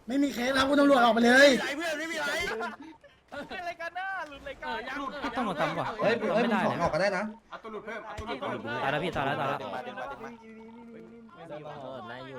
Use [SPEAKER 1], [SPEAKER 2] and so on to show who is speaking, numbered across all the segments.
[SPEAKER 1] ไม่มีเคสครับคุณตำรวจออกไปเลย
[SPEAKER 2] ไรเพื่อนไม่มีไร
[SPEAKER 3] อะไรกันน่ะหลุดรายการ
[SPEAKER 4] ต้องมาทำก่อน
[SPEAKER 5] เฮ้ยไม่ได้ออกก็ได้นะ
[SPEAKER 6] เอาตัวหลุดเพิ่มเอาตัวหลุดเพิ่ม
[SPEAKER 4] ตายแล้วพี่ตายแล้ว
[SPEAKER 3] ดึงมา
[SPEAKER 4] ได้อยู่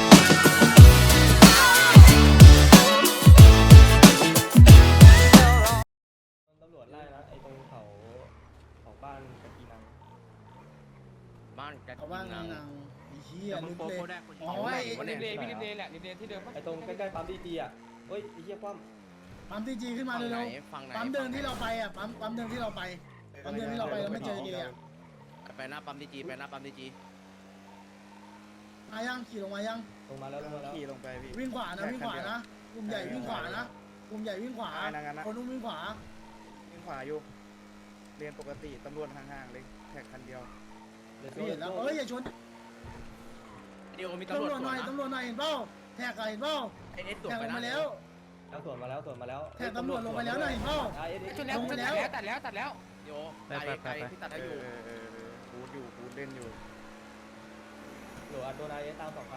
[SPEAKER 5] ตำรวจไล่นะไอ้ตรงเขาบ้านกะกีนัง
[SPEAKER 2] บ้านกัน
[SPEAKER 1] เขาว่าไงนางไอ้เหี้ย
[SPEAKER 2] มึง
[SPEAKER 1] ลึก
[SPEAKER 2] โป
[SPEAKER 1] เลย
[SPEAKER 2] โได้คน
[SPEAKER 1] อ๋อไอ้
[SPEAKER 3] ริมเลพี่ริมเลแหละริมเลที่เดิม
[SPEAKER 5] ไอ้ตรงใกล้ๆปั๊มดีจีอ่ะเฮ้ยไอ้เหี้ยคว่ำ
[SPEAKER 1] ปั๊มทีจีขึ้นมา
[SPEAKER 2] ฝั่งไหน
[SPEAKER 1] เร็ว
[SPEAKER 2] ฝั่งไหน
[SPEAKER 1] ๆปั๊มเดินที่เราไปอ่ะปั๊มเดินที่เราไปปั๊มเดินที่เราไปเราไม่เจอเกียร์
[SPEAKER 2] ไปหน้าปั๊มดีจีไปหน้าปั๊มดีจี
[SPEAKER 1] มายังขี่ลงมายัง
[SPEAKER 5] ลงมาแล้ว
[SPEAKER 6] ขี่ลงไปพี่
[SPEAKER 1] วิ่งขวานะวิ่งขวานะกลุ่มใหญ่วิ่งขวานะกลุ่มใหญ่วิ่งขวาคนนู้นวิ่งขวา
[SPEAKER 6] วิ่งขวาอยู่เรียนปกติตำรวจห่างๆเลยแท็กคันเดียว
[SPEAKER 1] พี่เห็นแล้วเอ้ยอย่าชน
[SPEAKER 2] เดี๋ยวมี
[SPEAKER 1] ตำ
[SPEAKER 2] ตำ
[SPEAKER 1] ร
[SPEAKER 2] ร
[SPEAKER 1] ว
[SPEAKER 2] ว
[SPEAKER 1] จ
[SPEAKER 2] จ
[SPEAKER 1] หน่อย
[SPEAKER 2] นะ
[SPEAKER 1] ตำรวจหน่อยเห็นเปล่าแท็กเห็นเปล่า
[SPEAKER 2] ไอเอสตรวจ
[SPEAKER 1] แท็ก
[SPEAKER 2] ไป
[SPEAKER 1] ลง
[SPEAKER 2] นะ
[SPEAKER 1] มาแล้ว
[SPEAKER 5] สวนมาแล้ว
[SPEAKER 1] แท็กตำรวจลงไปแล้วหน่อยเห็นเปล่า
[SPEAKER 3] ชนแล้วตัดแล้ว
[SPEAKER 2] เดี๋ยวไกลที่ตัดได้อยู่
[SPEAKER 6] บูดอยู่บูดเล่นอยู่
[SPEAKER 5] หรืออัดโดนไอ้ตาม2,000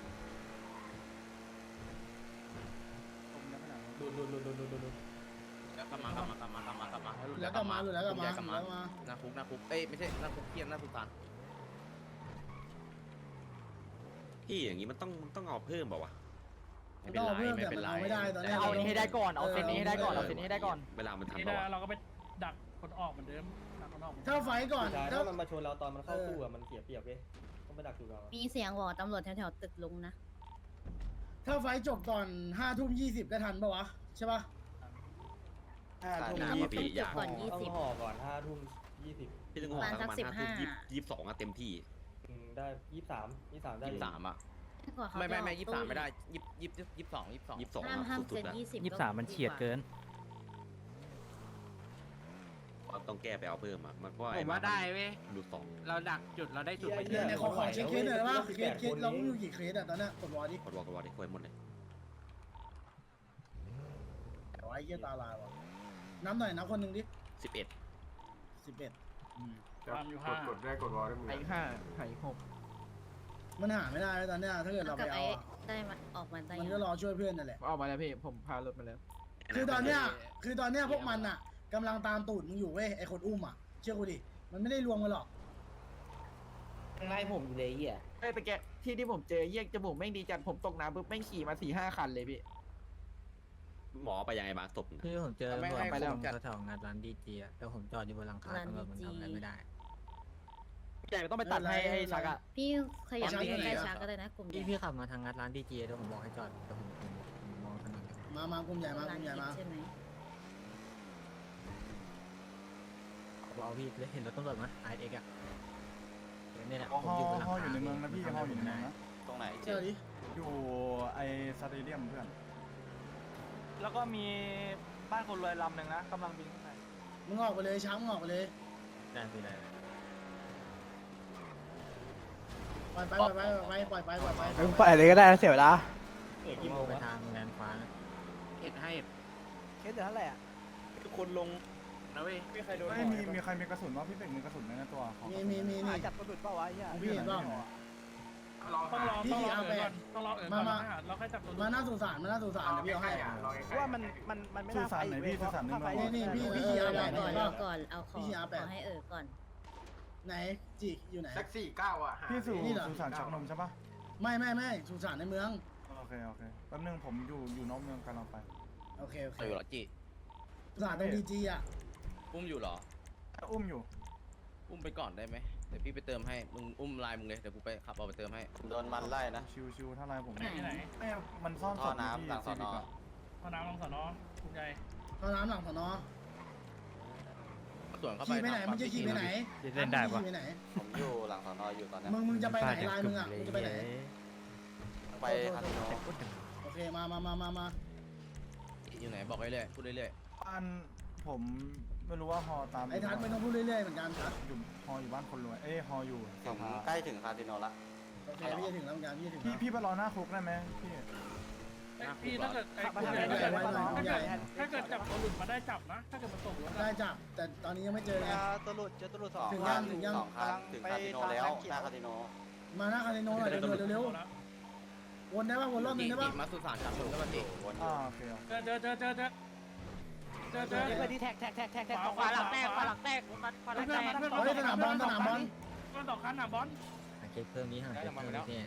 [SPEAKER 5] ดู
[SPEAKER 2] แล้วกลับมากลับมา
[SPEAKER 1] แล้วก็มาแล้วก็มาแล้วมา
[SPEAKER 2] หน้าคุกเอ้ยไม่ใช่หน้าคุกเทียนหน้าสุสาน
[SPEAKER 7] พี่อย่างนี้มันต้องเอาเพิ่มเปล่าวะ
[SPEAKER 2] ไม่เป็นไรไม่เป็นไร
[SPEAKER 1] ไม่ได้ตอนนี้
[SPEAKER 3] เอานี้ให้ได้ก่อนเอาเซนนี้ให้ได้ก่อนเอาเซนนี้ให้ได้ก่อน
[SPEAKER 7] เวลามันทัน
[SPEAKER 8] นี่
[SPEAKER 7] เปล่าวะ
[SPEAKER 8] เราก็ไปดักคนออกเหมือนเดิมดักคนออก
[SPEAKER 1] ถ้าไฟก่อน
[SPEAKER 5] ถ้ามันมาชนเราตอนมันเข้าตู้อ่ะมันเสียเปรียบเว้ยต้องไปดักอยู่เรา
[SPEAKER 9] มีเสียงบอกตำรวจแถวๆตึกลุงนะ
[SPEAKER 1] ถ้าไฟจบก่อน5:20ก็ทันปะวะใช่ปะ
[SPEAKER 7] หนาว่าพี่อยาก
[SPEAKER 9] ก่อน
[SPEAKER 5] ต้องห่อก่อน5:20
[SPEAKER 7] พี่ต้องห่อสักประมาณ5 ทุ่ม22อะเต็มที่
[SPEAKER 5] ได้23ได้
[SPEAKER 2] 23อ่ะ
[SPEAKER 9] กว่าเขา
[SPEAKER 2] ไม่
[SPEAKER 9] จะออก
[SPEAKER 2] 23ไม่ได้22
[SPEAKER 9] ห้าม
[SPEAKER 7] 22
[SPEAKER 9] เซ็น
[SPEAKER 7] สุดๆอะ
[SPEAKER 9] 20
[SPEAKER 4] มันเฉียดเกิน
[SPEAKER 7] ต้องแก้ไปเอาเพิ่มอะมันเพราะ
[SPEAKER 2] ผมว่าได้เว้ย
[SPEAKER 7] ดูสอง
[SPEAKER 2] เราดักจุดเราได้จุดไป
[SPEAKER 1] เนี่ยขอเช็คเคสหน่อยว่าเคสเราอยู่กี่เคสอะตอนนี้กดวอร์ดิ
[SPEAKER 7] กดวอลได้คุยหมดเลย
[SPEAKER 1] ไอ้เหี้ยตาลายวะน้ำหน่อยน้ำคนหนึ่งดิ
[SPEAKER 7] 11
[SPEAKER 1] 11
[SPEAKER 8] ความอยู่ห้าก
[SPEAKER 6] ดได้กดวอลได้มือ
[SPEAKER 3] ไอ้5ไอ้6
[SPEAKER 1] มันหาไม่ได้ตอนเนี้ยถ้าเกิดเรา
[SPEAKER 9] กั
[SPEAKER 1] ไป
[SPEAKER 9] บ
[SPEAKER 1] เอา
[SPEAKER 9] ไอ้ได้มาออกมาได้
[SPEAKER 1] มันก็รอช่วยเพื่อนนั่นแหละ
[SPEAKER 3] ออกมาแล้วพี่ผมพารถมาแล้ว
[SPEAKER 1] คือตอนเนี้ยพวกมันอะกำลังตามตูดมึงอยู่เว้ยไอ้คนอุ้มอะเชื่อกูดิมันไม่ได้รวมกันหรอก
[SPEAKER 5] ไล่ผมอยู่เลยเหี้ย
[SPEAKER 3] เอ้ยตะแกที่ผมเจอเยี่ยจมูกแม่งดีจัดผมตกน้ำปุ๊บแม่งขี่มา4-5 คันเลยพี่
[SPEAKER 7] หมอไปยังไงบ้างศพ
[SPEAKER 4] คือผมเจอ
[SPEAKER 2] ไม่
[SPEAKER 4] ตำรวจ
[SPEAKER 2] ให้
[SPEAKER 4] ไปแล้ว
[SPEAKER 2] ผมจัด
[SPEAKER 4] แถวงานร้านดีเจแต่ผมจอดอยู่บนหลังคาตำรวจมันทำอะไรไม่ได้
[SPEAKER 3] ใหญ่ต้องไปตัดให้ชักอ่ะ
[SPEAKER 9] พี่ขยับไปใกล้ๆช้าก็ได้นะกลุ่มใหญ่
[SPEAKER 4] พี่ขับมาทางงานร้านดีเจเดี๋ยวผมบอกให้จอดแต่ผมมองถนน
[SPEAKER 1] มากลุ่มใหญ่มากลุ่มใหญ่มา
[SPEAKER 9] ใช่ไหม
[SPEAKER 4] บอกพี่เลยเห็นรถตำรวจไหมไอเอ็กอะเนี่ยแหละ
[SPEAKER 6] ฮออยู่ในเมืองนะพี่ฮออยู่ในเมืองนะ
[SPEAKER 2] ตรงไหน
[SPEAKER 1] เชื่อดิ
[SPEAKER 6] อยู่ไอสเตเดียมเพื่อน
[SPEAKER 8] แล้วก็มีบ้านคนรวยลำหนึ่งนะกำลังบินขึ้นไป
[SPEAKER 1] มึงออกไปเลยช้างมึงออกไปเลย
[SPEAKER 4] ได้พี่ได้
[SPEAKER 1] ปล่อยไป
[SPEAKER 3] มึงปล่อยอะไรก็ได้เสียเวลา
[SPEAKER 5] กี่โมง
[SPEAKER 4] ไป
[SPEAKER 5] วะ
[SPEAKER 4] ทางแลนฟ้า
[SPEAKER 2] เอ็ดให้
[SPEAKER 3] เคสเดือดเท่าไหร่อ่ะ
[SPEAKER 2] ทุกคนลงนะเว้ย
[SPEAKER 6] มีใครมีกระสุนว่าพี่เป็กมีกระสุนในตัวของ
[SPEAKER 1] มีนี่
[SPEAKER 3] จับกระสุนเปล่าวะไอ้เหี้ย
[SPEAKER 1] พี่เห็นเปล่า
[SPEAKER 8] ต้องรอเอิญก่อนต้องรอเอิญก่อนเราแค่จับตัว
[SPEAKER 1] มาหน้าสุสานเดี๋ยวพี่เอาให้
[SPEAKER 3] ว่ามันไม่
[SPEAKER 6] สื่
[SPEAKER 3] น่า
[SPEAKER 6] อสารไหนพี่สื่อสารหนึ่ง
[SPEAKER 1] นี่พี่
[SPEAKER 9] เอ
[SPEAKER 1] ขี่
[SPEAKER 9] อ
[SPEAKER 1] อาแปด
[SPEAKER 9] ก่อน
[SPEAKER 1] เห็นเปล่า
[SPEAKER 9] ก่อนเอาของให้ก่อน
[SPEAKER 1] ไหนจิอยู่ไหน
[SPEAKER 6] แท็กซี่9อ่ะพี่สื่อสารชักนมใช่ปะ
[SPEAKER 1] ไม่สุสานในเมือง
[SPEAKER 6] โอเคแป๊บนึงผมอยู่นอกเมืองกำลังไป
[SPEAKER 1] โอเค
[SPEAKER 2] อยู่หรอจี
[SPEAKER 1] สุสานตรงดีจีอ่ะ
[SPEAKER 2] อุ้มอยู่หรอ
[SPEAKER 6] อุ้มอยู่
[SPEAKER 2] อุ้มไปก่อนได้ไหมเดี๋ยวพี่ไปเติมให้มึงอุ้มลายมึงเลยเดี๋ยวกูไปขับเอาไปเติมให้
[SPEAKER 10] โดนมันไล่นะ
[SPEAKER 6] ชิวๆถ้าไรผม
[SPEAKER 8] ที่ไหน
[SPEAKER 6] ไม่มันซ่อน
[SPEAKER 10] ท่อน้ำหลังสอนอ
[SPEAKER 8] พอน้ำลงสอนอคุณใหญ่
[SPEAKER 1] ท่อน้ำหลังสนอ
[SPEAKER 2] ส่วนเข้าไป
[SPEAKER 1] ขี่ไปไหนมึงจะขี่ไปไหน
[SPEAKER 4] เล่นได้ปะ
[SPEAKER 1] ขี่ไปไหน
[SPEAKER 10] ผมอยู่หลังสอนออยู่ตอนนี้
[SPEAKER 1] มึงจะไปไหนลายมึงอ่ะมึงจะไปไหน
[SPEAKER 10] ไปคาสิโน
[SPEAKER 1] โอเคมา
[SPEAKER 2] อยู่ไหนบอกเรื่อยพูดเรื่อย
[SPEAKER 6] บ้านผมไม่รู้ว่าฮอตาม
[SPEAKER 1] ไอ้ทัศน์ไม่ต้องพูดเรื่อยๆเหมือนกันทัศน์
[SPEAKER 6] อยู่ฮออยู่บ้านคนรวยฮออยู่
[SPEAKER 10] ผมใกล้ถึงคาสิโนละ
[SPEAKER 1] โอเคพี่จะถึงแล้วเหมือนกันพี่ถึง
[SPEAKER 6] พี่ไปรอหน้าคุกได้ไหมพี่
[SPEAKER 8] พี่ถ้าเกิดถ้าเกิดจับตัวหลุดมาได้จับนะ ถ้าเกิดมันตกรถ
[SPEAKER 1] ได้จับแต่ตอนนี้ยังไม่เจอไง
[SPEAKER 3] ตัวหลุดเจอตัวหลุด2
[SPEAKER 1] ถึงยังถึงยัง
[SPEAKER 10] 2 คันถึงคาสิโนแล้วหน้าคาสิโน
[SPEAKER 1] มาหน้าคาสิโนหน่อยเร็ววนได้ป่ะวนรอบนึงได้ป่ะ
[SPEAKER 2] มาสุสานจับมึงก็มาติ
[SPEAKER 6] อ่าโอเค
[SPEAKER 8] เจอเพื่อนที่แท็กขวาหลังแตกขวาหลังแตกขวาหลังแตก
[SPEAKER 1] เฮ้ยสนามบอลสนามบอล
[SPEAKER 8] เพื่อนสองคันน่ะบอล
[SPEAKER 4] หาเก็บเพิ่มนี้หาเก็บเพิ่มนี้พี่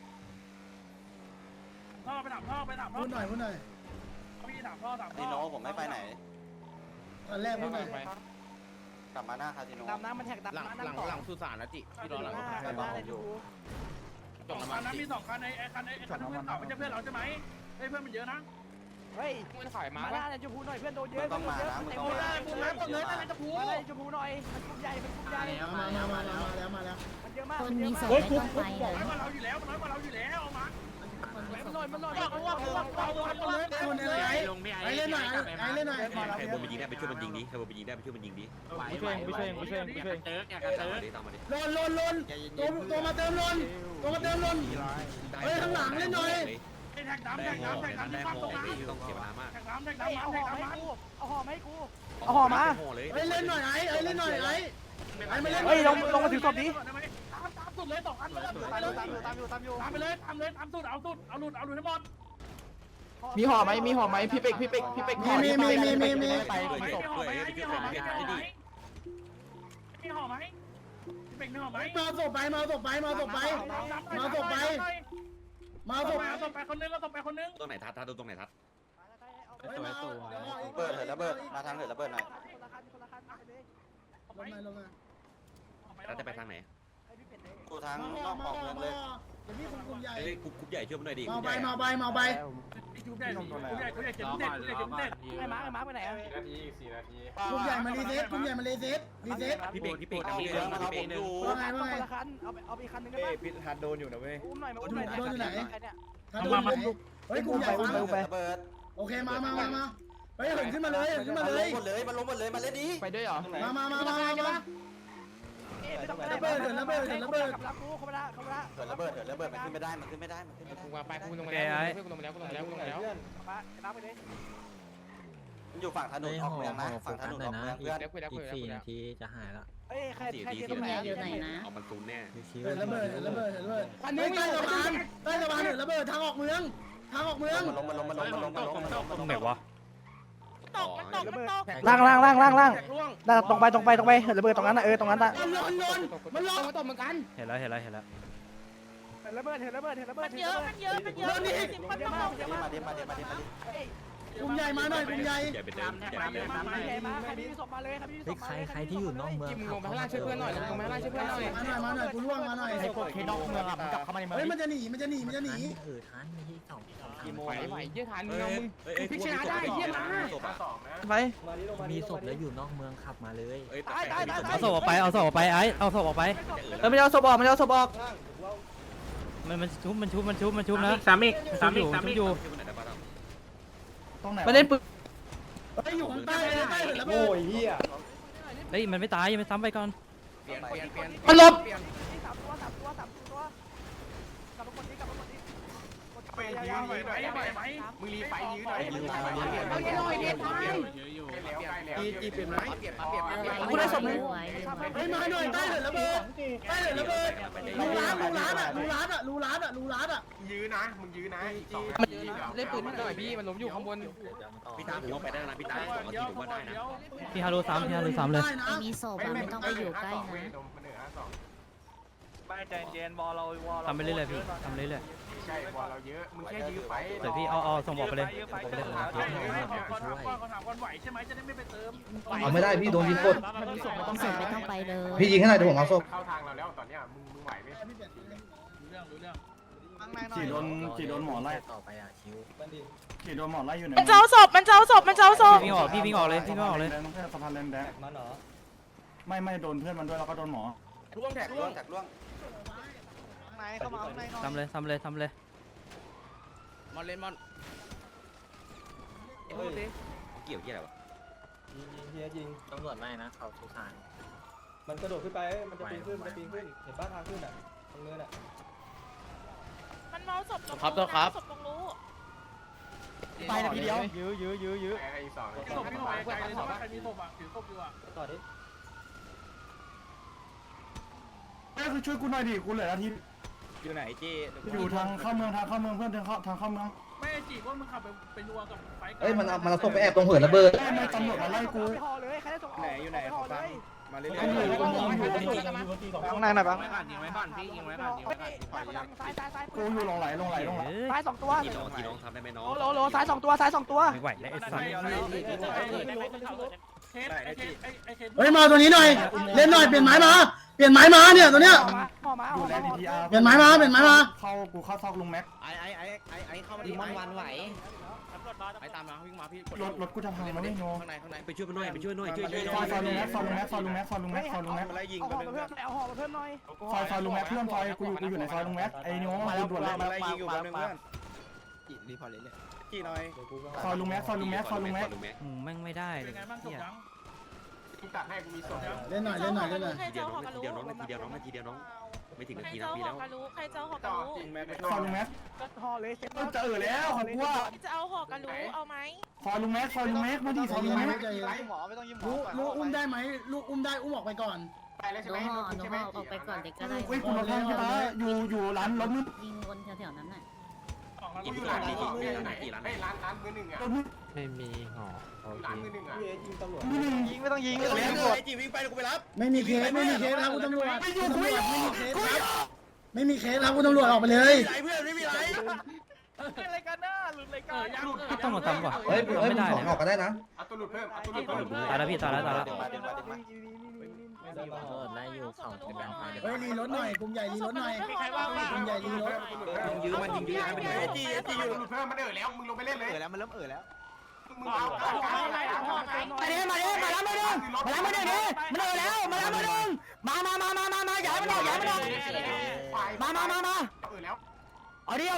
[SPEAKER 8] ท่อไปถามท่อ
[SPEAKER 1] พูดหน่อยพูดหน่อย
[SPEAKER 8] พี่ถามท่อ
[SPEAKER 10] คาสิโนผมไม่ไปไหน
[SPEAKER 1] ตอนแรกพูดหน่อย
[SPEAKER 10] กลับมาหน้าคาสิโน
[SPEAKER 3] ดำน้ำมันแท็กดำ
[SPEAKER 2] หลัง
[SPEAKER 3] น้ำ
[SPEAKER 2] หลัง
[SPEAKER 3] ต่อ
[SPEAKER 2] หลังสุสานนะจิพี่รอหลัง
[SPEAKER 10] ไปบอกผมอยู่
[SPEAKER 8] สองคันนั้นมี2คันไอ้คันเพื่อนเก่าไม่ใช่เพื่อนเราใช่ไหมเฮ้ยเพื่อนมันเยอะนะ
[SPEAKER 3] เฮ้ยมันขายมาหน้าเนี่ยชมพูหน่อยเพื่อนโดนเยอะ
[SPEAKER 10] มึงต้องมานะมึงต้องมา
[SPEAKER 3] ชมพูเลยชมพูหน่อยมันกลุ่มใหญ่มันกลุ่มใหญ่
[SPEAKER 1] มาแล้วมาแล้ว
[SPEAKER 3] มันเยอะมาก
[SPEAKER 9] คน
[SPEAKER 3] มันเย
[SPEAKER 9] มี
[SPEAKER 3] อะ
[SPEAKER 9] ศ
[SPEAKER 3] มาก
[SPEAKER 9] พไม่ต้องไป
[SPEAKER 8] บอก
[SPEAKER 9] เล
[SPEAKER 8] ให้
[SPEAKER 9] ย
[SPEAKER 8] มาเราอยู่แล้วมันน้อยกว่าเราอยู่แล้วเอามา
[SPEAKER 3] มันหน่อยมันหน่อย
[SPEAKER 1] คนอะไรไอ้เล่นหน่อยไอ้เล่นหน่อย
[SPEAKER 7] ใครบนไปยิงได้ไปช่วยมันยิงดิใครบนไปยิงได้ไปช่วยมันยิงดิ
[SPEAKER 8] กูช่วย
[SPEAKER 7] เติร์กตามมาดิ
[SPEAKER 1] ลนตัวมาเติมลนเฮ้ยข้างหลังเล่นหน่อย
[SPEAKER 8] ไอ้แท็กดำที่ปั๊มตรงนั้น
[SPEAKER 7] ต้องเสียเวลามาก
[SPEAKER 8] แท็กดำ
[SPEAKER 3] เอาห่อมาให้กูเอาห่อมาให้กู
[SPEAKER 7] เอาห่อมาเลย
[SPEAKER 1] เฮ้ยเล่นหน่อยไอ้เล่นหน่อยไอ้ไม่เล่น
[SPEAKER 3] เฮ้ยลงมาถึงศพนี้
[SPEAKER 8] ตามสุดเลย2คันเลยตามไปเลยตามสุดเอาหลุดให้หมด
[SPEAKER 3] มีห่อไหมพี่เป็ก
[SPEAKER 1] มี
[SPEAKER 8] มีห่อไหมพี่เป็กมีห่อไหม
[SPEAKER 1] มาศพไปมาศพไปคนนึง
[SPEAKER 7] ตรงไหนทัดตรงไหนทัด
[SPEAKER 10] เบิร์ดเหินระเบิดมาทางเหินระเบิดหน่อย
[SPEAKER 1] ลงมา
[SPEAKER 7] แล้วจะไปทางไหน
[SPEAKER 10] กูทางนอกออกเมืองเลย
[SPEAKER 1] เดี๋ยวพี่คุมใหญ่
[SPEAKER 7] เอ้ยกุ๊บใหญ่ช่วยมันหน่อยดิ
[SPEAKER 1] มาไป
[SPEAKER 8] จุ๊บได้เจ็บเด็ด
[SPEAKER 3] ไอ้มาร์ไปไหนอ่ะ
[SPEAKER 1] คุมใหญ่มารีเซ็ต
[SPEAKER 7] พี่เบก
[SPEAKER 10] เอา
[SPEAKER 7] พี่
[SPEAKER 10] เมืองมาเอา
[SPEAKER 7] เบ
[SPEAKER 10] ผ
[SPEAKER 7] ก
[SPEAKER 10] มอยู่
[SPEAKER 1] ว่าไง
[SPEAKER 3] คันเอาไปคันนึงได้
[SPEAKER 6] เอ้
[SPEAKER 3] ป่ะ
[SPEAKER 6] พิษฮัดโดนอยู่นะเว้ย
[SPEAKER 3] อุ้มหน่อย
[SPEAKER 1] ถ้าโดนไหนเฮ้ยคุมใหญ่
[SPEAKER 10] เหินระเบิด
[SPEAKER 1] โอเคมาเฮ้ยเหินขึ้นมาเลย
[SPEAKER 10] มันลงหมดเลยมาเล่นดิ
[SPEAKER 3] ไปด้วยเหรอ
[SPEAKER 1] มาระเบิดเขามาละ
[SPEAKER 10] เหินระเบิดมันขึ้นไม่ได้กูว่าไปกูลงมาแล้วมันอยู่ฝั่งถนนออกเมืองนะฝั่งถนนออกเมืองเพื่อน
[SPEAKER 4] อีก4 นาทีจะหายละ
[SPEAKER 3] เอ้ยใคร
[SPEAKER 7] 4
[SPEAKER 3] ใคร
[SPEAKER 7] ที
[SPEAKER 3] เจอตรงไหน
[SPEAKER 7] เอามันซูนแน่
[SPEAKER 4] ชิว
[SPEAKER 1] เหินระเบิดอันนี้ใต้สะพานเหินระเบิดทางออกเมือง
[SPEAKER 10] มันลง
[SPEAKER 6] ตรงไหนวะ
[SPEAKER 3] ล่างตรงไปเหินระเบิดตรงนั้นนะตรงนั้นน่ะ
[SPEAKER 1] มันลง
[SPEAKER 6] เห็นแล้ว
[SPEAKER 3] เหินระเบิดเยอะ
[SPEAKER 10] มาดิ
[SPEAKER 1] คุมใหญ่มาหน่อยคุมใหญ่
[SPEAKER 7] ใหญ่เป็นเดิมใหญ่เป็นเดิม
[SPEAKER 3] ใครมีศพมาเลยครับพี่
[SPEAKER 4] เฮ้ยใครที่อยู่นอกเมืองขับเข้ามาช่วยเพื่อนหน่อย
[SPEAKER 1] มาหน่อยกูล่วงมาหน่อย
[SPEAKER 6] ไอ้พวกที่นอกเมืองอ่ะมันกลับเข้ามาในเมือง
[SPEAKER 1] เฮ้ยมันจะหนี
[SPEAKER 4] ทันไม่ใช่2
[SPEAKER 7] ไหวเยอะทันพี่ชนะได้เยี่ยมนะศพอ่ะ
[SPEAKER 3] ไป
[SPEAKER 4] มีศพแล้วอยู่นอกเมืองขับมาเลย
[SPEAKER 6] เอาศพออกไปเอาศพออกไปเอาศพออกไป
[SPEAKER 3] ไม่เอาศพออกมัน
[SPEAKER 6] ชุบนะสามอีกอยู่
[SPEAKER 3] ตรงไหนมันเล่นปืน
[SPEAKER 1] เฮ้ยอยู่ข้างใต้เหินระเบิด
[SPEAKER 6] เฮ้ยมันไม่ตายยังไม่ซ้ำไปก่อน
[SPEAKER 2] เปลี่ยน
[SPEAKER 3] มันหลบ
[SPEAKER 8] มึงรีไฟยื้อหน่อย
[SPEAKER 3] กูได้ศพนึง
[SPEAKER 1] เฮ้ยมาหน่อยใต้เหินระเบิดรูร้านอ่ะ
[SPEAKER 8] ยื้อนะมึงยื้อนะ
[SPEAKER 3] เล่นปืนหน่อยพี่มันล้มอยู่ข้างบน
[SPEAKER 7] พี่ตาผมว่าไปได้นะพี่ตา2 นาทีผมว่าได้นะ
[SPEAKER 6] พี่ฮารุซ้ำเลย
[SPEAKER 9] ไม่มีศพอะไม่ต้องไปอยู่ใกล้นะ
[SPEAKER 5] ไม่ใจเย็นบอลเรา
[SPEAKER 6] ทำไปเรื่อยๆพี่ทำเรื่อย
[SPEAKER 5] ใช่บอลเราเยอะมึงแค่ยื้อไป
[SPEAKER 6] ๆเดี๋ยวพี่เอาส่งบอกไปเลย
[SPEAKER 8] ขอถามก่อนไหวใช่ไหมจะได้ไม่ไปเติม
[SPEAKER 11] เอาไม่ได้พี่โดนยิงกด
[SPEAKER 9] ศพไม่ต้องไปเลย
[SPEAKER 11] พี่ยิงให้หน่อยเดี๋ยวผมเอาศพ
[SPEAKER 5] เข้าทางเราแล้วตอนเนี้ยมึงไหวไหม
[SPEAKER 8] รู้เรื่อง
[SPEAKER 6] กี่โดนหมอไล่
[SPEAKER 4] ต่อไปอ่ะชิว
[SPEAKER 6] กี่โดนหมอไล่อยู่ไหน
[SPEAKER 3] มันเจ้าศพ
[SPEAKER 6] พี่วิ่งออกเลย
[SPEAKER 5] สะพานแรงแดงมันเหรอ
[SPEAKER 6] ไม่โดนเพื่อนมันด้วยแล้วก็โดนหมอ
[SPEAKER 10] ล่วงแท็กล่วง
[SPEAKER 6] ซ้ำเลย
[SPEAKER 2] มอนเล่นมอน
[SPEAKER 7] เกี่ยวอะไรวะ
[SPEAKER 5] ยิง
[SPEAKER 4] ตำรวจไม่นะเขาสุสาน
[SPEAKER 5] มันกระโดดขึ้นไปมันจะปีนขึ้นเห็นป้าทางขึ้นอ่ะตรงเนินอ่ะ
[SPEAKER 8] มันเมาศพ
[SPEAKER 2] ครับตัวครับ
[SPEAKER 8] ศพตรงรู้
[SPEAKER 3] ไปนะพี่เดียว
[SPEAKER 5] ยื้อไอ้สอง
[SPEAKER 8] ศพพี่หอยไกลเลยว่าใครมีศพอ่ะถือศพอยู่อ่ะ
[SPEAKER 5] ต่อดิ
[SPEAKER 6] คือช่วยกูหน่อยดิกูเหลือนาทีอยู่ไหนเจ๊
[SPEAKER 1] อยู่ทางเข้าเมืองเพื่อนทางเข้าเมือง
[SPEAKER 8] ไม่จีบว่ามึงขับไปนัวกับไฟ
[SPEAKER 11] เอ้ยมันเอาศพไปแอบตรงเหินระเบิด
[SPEAKER 1] ไม่ตำรวจมาไล่กู
[SPEAKER 3] ห่อเลยใครได้ส่ง
[SPEAKER 6] ไหนอยู่ไหนขอฟังมาเรื่อย
[SPEAKER 3] ข้างในหน่อยปะ
[SPEAKER 2] ยิงไว้ก่อนพี่ยิงไว้ก่อนยิงไว้ก่อน
[SPEAKER 3] ซ้าย
[SPEAKER 1] กูอยู่ลงไหล
[SPEAKER 3] ซ้าย2ตัว
[SPEAKER 10] กี่น้องทำได้ไหมน้อง
[SPEAKER 3] โลซ้าย2ตัวซ้าย2ตัว
[SPEAKER 4] ไม่ไหวแล้วไอ้สัตว์
[SPEAKER 1] เฮ้ยมาตัวนี้หน่อยเล่นหน่อยเปลี่ยนไม้มาเนี่ยตัวเนี้ย
[SPEAKER 3] ห่อมา
[SPEAKER 1] เปลี่ยนไม้มาเข้ากูเข้าซอกลุงแม็ก
[SPEAKER 2] ไอ้เข้ามาดิ
[SPEAKER 10] มันวันไหว
[SPEAKER 2] ไอ้ตามมาวิ่งมาพี่
[SPEAKER 1] รถกูจะพังแล้วไม่โน
[SPEAKER 2] ข้างใน
[SPEAKER 10] ไปช่วยมันหน่อยไปช่วยหน่อยช่วย
[SPEAKER 1] ซอยลุงแม็กซอยลุงแม็กซอยลุงแม็กซอยลุงแม็กซอยลุงแม็ก
[SPEAKER 6] มาไล่ยิง
[SPEAKER 3] เอา
[SPEAKER 6] กั
[SPEAKER 3] ห่อน มาเพิ่มเอาห่อมาเพิ่มหน่อย
[SPEAKER 1] ซอยลุงแม็กเพื่อนซอยกูอยู่ในซอยลุงแม็กไอ้นิวมาด่วนเลย
[SPEAKER 6] มาไล่ยิงอยู่คนนึงเพื่อน
[SPEAKER 2] รีพอร์ตเลยเนี่ย
[SPEAKER 6] กี่หน่อย
[SPEAKER 1] ซอยลุงแม็ก
[SPEAKER 4] แม่งไม่ได้เล
[SPEAKER 8] เป็
[SPEAKER 4] ย
[SPEAKER 8] นไงบ้างจบยัง
[SPEAKER 5] ตัดให้กูมีส่วน
[SPEAKER 1] เล่นหน่อย
[SPEAKER 10] ทีเดียวน้องทีเดียวน้องนาทีเดียวน้องไม่ถึงนาทีนะปีแล้ว
[SPEAKER 9] ใครจะเอาหอกระรู้
[SPEAKER 6] ยิงแม็ก
[SPEAKER 1] ซอยลุงแม็ก
[SPEAKER 3] ห่อเลยเช็ด
[SPEAKER 1] จะแล้วของกูว่า
[SPEAKER 9] จะเอาหอกระรู้เอาไหม
[SPEAKER 1] ซอยลุงแม็กมาดิซอยลุงแม็ก
[SPEAKER 6] หมอไม่ต้องยิ้มหม
[SPEAKER 1] ลูกอุ้มได้ไหมลูกอุ้มได้อุ้มออกไปก่อน
[SPEAKER 5] ไปแล้วใช่
[SPEAKER 9] ห
[SPEAKER 5] ไหม
[SPEAKER 9] นูห่อออกไปก่อนเด็กก็ได้
[SPEAKER 1] เฮ้ยคุณรถพังใช่ปะอยู่ร้านรถมืด
[SPEAKER 9] ยิงวนแถวๆนั้นน่ะ
[SPEAKER 5] กูอยู่ร้านนี้ไหนร้านมือหนึ่งอ่ะ
[SPEAKER 1] รถมืด
[SPEAKER 4] ไม่มีห่อโอเค
[SPEAKER 5] ร้านมือหนึ่งอ่ะ
[SPEAKER 6] ยิงตำรวจ
[SPEAKER 3] ยิงไม่ต้องยิง
[SPEAKER 6] ไอ้จีวิ่งไปกูไปรับ
[SPEAKER 1] ไม่มีเคสครับคุณตำรวจไม่มีเคสครับคุณตำรวจออกไปเลย
[SPEAKER 6] ไรเพื่อนไม่มีไร
[SPEAKER 3] อะไรกันน่ะหลุดรายการ
[SPEAKER 4] ต้องมาทำว่ะ
[SPEAKER 11] เฮ้ย
[SPEAKER 4] ไม่ได้
[SPEAKER 11] มึงออกก็ได้นะ
[SPEAKER 5] เอาตัวหลุดเพิ่มเอาตัวหลุดเพิ่ม
[SPEAKER 4] ตายแล้วพี่ตายแล้ว
[SPEAKER 9] ไล่อยู่เขาเป็นการพา
[SPEAKER 1] เฮ้ยรีรถหน่อยกลุ่มใหญ่รีรถหน่อย
[SPEAKER 8] ใครว่าง
[SPEAKER 1] กลุ่มใหญ่รีรถ
[SPEAKER 10] ยื้อมันยิงยื้อมัน
[SPEAKER 5] ไอ้จีอยู่หลุดเพิ่มมันแล้วมึงลงไปเล่นเลย
[SPEAKER 3] แล้วมันเริ่มแล้ว
[SPEAKER 5] มึงเอา
[SPEAKER 3] มาดิมาแล้วมาดิมันแล้วมาแล้วมาอย่าให้มันออกมา
[SPEAKER 5] แล้ว
[SPEAKER 3] เอาดิ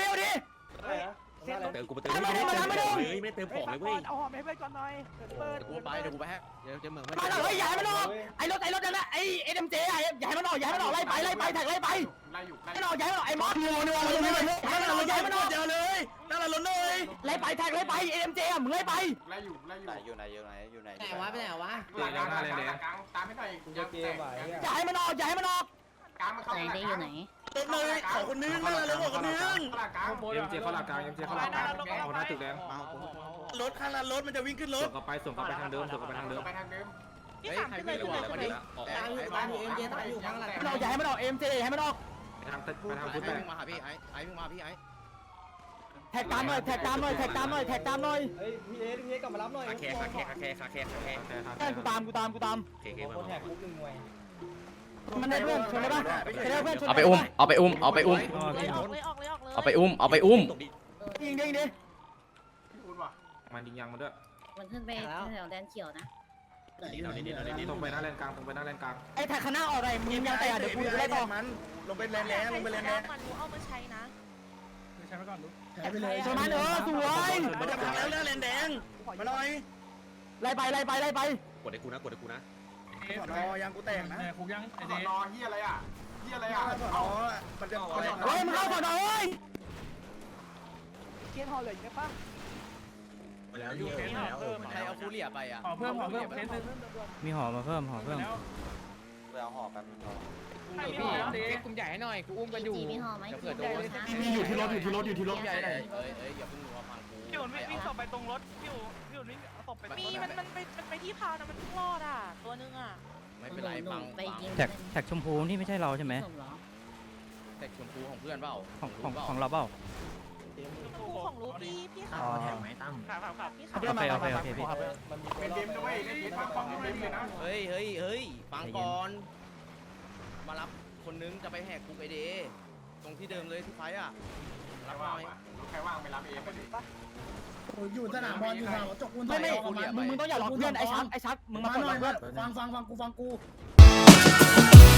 [SPEAKER 10] เติมกูไปเติมไม่เติมของเลยเว้ย
[SPEAKER 3] เอาห่อมาให้เพื่อนก่อนหน่อยเปิด
[SPEAKER 2] เดี๋ยวกูไปแฮกเดี๋ยวจะเหมือน
[SPEAKER 3] มาเลยอย่าให้มันออกไอ้รถนั่นน่ะไอ้เอ็มเจอย่าให้มันออกไล่ไปแท็กไล่ไป
[SPEAKER 5] ไล่อยู่ไล่
[SPEAKER 3] ไม่ออกอย่าให้มันออกไอ้มอสนัวอย่าให้มันออก
[SPEAKER 6] เจอเลยนั่นแหละรถเลย
[SPEAKER 3] ไล่ไปแท็กไล่ไปเอ็มเจมึงไล่ไป
[SPEAKER 5] ไล่อยู่
[SPEAKER 10] อยู่ไหน
[SPEAKER 9] ไหนวะไปไหนวะ
[SPEAKER 5] กลางตามให้หน่อย
[SPEAKER 3] อย่าให้มันออก
[SPEAKER 5] กลางมันเข้า
[SPEAKER 9] ไหนได้อยู่ไหน
[SPEAKER 6] รถเลยขอคนนึงนั่นแหละรถขอคนนึง
[SPEAKER 5] กลาง
[SPEAKER 8] เอ็มเจเขาหลักกลางเอ็มเจเขาหลักกลางเอาหน้าตึกแดง
[SPEAKER 6] รถข้างนั้นรถมันจะวิ่งขึ้นรถ
[SPEAKER 8] ส่งกลับไปทางเดิม
[SPEAKER 5] ไปทางเดิม
[SPEAKER 2] เฮ้ยใครไม่รู้อะไรวันนี้ออกไป
[SPEAKER 3] อย่าให้มันออกเอ็มเจให้มันออก
[SPEAKER 8] ไปทางฟุต
[SPEAKER 2] ไอ้
[SPEAKER 8] แบ
[SPEAKER 2] มึงมาหาพี่ไอ้มึงมาพี่ไอ้
[SPEAKER 3] แท็กตามหน่อย
[SPEAKER 5] เฮ้ยพี่เอกลับมารับหน่อย
[SPEAKER 10] คาแค
[SPEAKER 3] กูตาม
[SPEAKER 10] โอเคมา
[SPEAKER 5] แท็กคุกหนึ่งหน่วย
[SPEAKER 3] มันได้เพื่อนชนได้ปะเพื่อนชน
[SPEAKER 2] เอาไปอุ้มเอาไปอุ้ม
[SPEAKER 9] ออกเลย
[SPEAKER 3] ยิงดิ
[SPEAKER 5] พูดว่ะ
[SPEAKER 8] มันยิงยางมาด้วย
[SPEAKER 9] มันขึ้นไปแถวแดนเขียวนะ
[SPEAKER 8] ตรงไปหน้าแลนกลาง
[SPEAKER 3] ไอ้แท็กข้างหน้าออกไรมึงยังแต่เดี๋ยวกูไล่ต่อ
[SPEAKER 6] มันลงไปแลนแลนลงไปแลนแลน
[SPEAKER 9] มันรู้เอามาใช้นะ
[SPEAKER 8] ใช้ไปก่อนดู
[SPEAKER 1] แถไปเลย
[SPEAKER 3] ชนมันสวย
[SPEAKER 6] มันจะพังแล้วแลนแดงมาหน่อย
[SPEAKER 3] ไล่ไป
[SPEAKER 10] กดให้กูนะ
[SPEAKER 6] รอยางกูแตกนะ
[SPEAKER 8] คุกยังไอ
[SPEAKER 5] ส
[SPEAKER 8] เด
[SPEAKER 5] อนอเฮียอะไรอ่ะเฮียอะไรอ่ะ
[SPEAKER 6] อ๋อมันจะ
[SPEAKER 3] เฮ้ยมึงเข้าก่อนหน่อยเกียร์ห่อเหลืออีกไหมปะ
[SPEAKER 8] แล้วยูเคสเพิ่ม
[SPEAKER 2] ใครเอาฟูเรียไปอ่ะ
[SPEAKER 8] ขอเพิ่มเคสนึง
[SPEAKER 4] มีห่อมาเพิ่ม
[SPEAKER 8] แล้ว
[SPEAKER 10] เอาห่อแป๊บนึง
[SPEAKER 8] พี่เด็ก
[SPEAKER 7] กลุ่มใหญ่ให้หน่อยกูอุ้มกันอยู่
[SPEAKER 9] จีมีห่อไหม
[SPEAKER 2] เผื่อโดน
[SPEAKER 1] มีอยู่ที่รถอยู่ที่รถ
[SPEAKER 2] ใหญ่เลยอย่าเพิ่งรู้ว่าฟังกู
[SPEAKER 8] พี่อุ่นวิ่งศพไปตรงรถพี่อุ่นวิ่งศพไป
[SPEAKER 9] มีมันไปที่พาวนะมันรอดอ่ะตัวนึงอ่ะ
[SPEAKER 2] ไม่เป็นไรฟัง
[SPEAKER 9] ไปยิง
[SPEAKER 4] แท็กชมพูนี่ไม่ใช่เราใช่ไหม
[SPEAKER 2] แต่ชมพูของเพื่อนเปล่า
[SPEAKER 4] ของเราเปล่า
[SPEAKER 9] คู่ของรู้พี่
[SPEAKER 4] อ๋อ
[SPEAKER 9] พี่ขับ
[SPEAKER 4] โอเคพี่
[SPEAKER 5] เป็นเดมด้วยเล่นเดมฟังเล่นเลยนะ
[SPEAKER 2] เฮ้ยฟังก่อน มารับคนนึงจะไปแหกคุกไอเดตรงที่เดิมเลยที่ไฟอ่ะรับหน่อย
[SPEAKER 5] ใครว่างไปรับเองไปดิ
[SPEAKER 1] อยู่สนามบอลอยู่แถวจกปูน
[SPEAKER 3] ไม่มึงต้องอย่าหลอกเพื่อนไอ้ชักมึงมา
[SPEAKER 1] มา
[SPEAKER 3] ก่อน
[SPEAKER 1] หน่อย
[SPEAKER 3] เพื่อน
[SPEAKER 1] ฟังกู